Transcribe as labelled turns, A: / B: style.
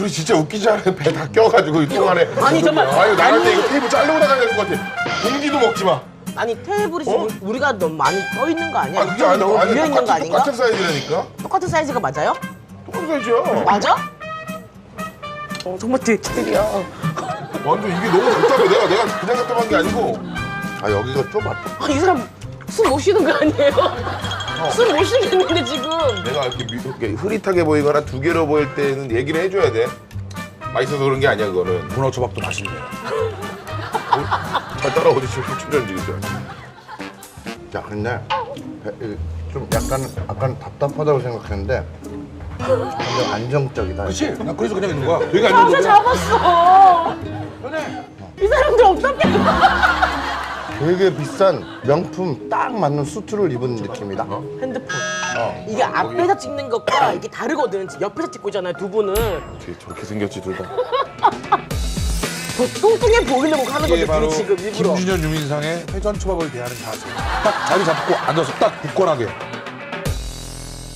A: 둘이 진짜 웃기지 않아요? 배 다 껴가지고 이 동안에.
B: 아니, 정말.
A: 아유 나갈 때
B: 아니.
A: 이거 테이블 자르고 나가야 될 것 같아. 공기도 먹지 마.
B: 아니 테이블이 지금 우리가 너무 많이 떠 있는 거 아니야?
A: 그게
B: 이쪽이 너무 비어 있는 거 아닌가?
A: 똑같은 사이즈라니까.
B: 똑같은 사이즈가 맞아요?
A: 똑같은 사이즈야.
B: 맞아? 정말 대기들이야.
A: 완전 이게 너무 답답해. 내가 그냥 답답한 게 아니고. 아 여기가 좁아.
B: 이 사람 숨 못 쉬는 거 아니에요? 숨 못 쉬겠는데 지금.
A: 내가 이렇게 흐릿하게 보이거나 두 개로 보일 때는 얘기를 해줘야 돼. 맛있어서 그런 게 아니야 그거는.
C: 문어 초밥도 맛있네요.
A: 잘 따라오지 지금 출연지 그죠?
D: 자, 근데 좀 약간 답답하다고 생각했는데 굉장히 안정적이다.
C: 그렇지? 나 그래서 그냥 있는 거야. 되게
B: 가서
C: 안정적이야.
B: 잡았어. 이 사람들 어떻게?
D: 되게 비싼 명품 딱 맞는 수트를 입은 느낌이다.
B: 핸드폰. 이게 앞에서 찍는 것과 이게 다르거든. 옆에서 찍고 있잖아요, 두 분은.
A: 어떻게 저렇게 생겼지 둘 다.
B: 더 뚱뚱해 보이려고 하는
C: 이게
B: 건데,
C: 바로
B: 둘이 지금 일부러.
C: 김준현 유민상의 회전 초밥을 대하는 자세. 딱 자리 잡고 앉아서 딱 굳건하게.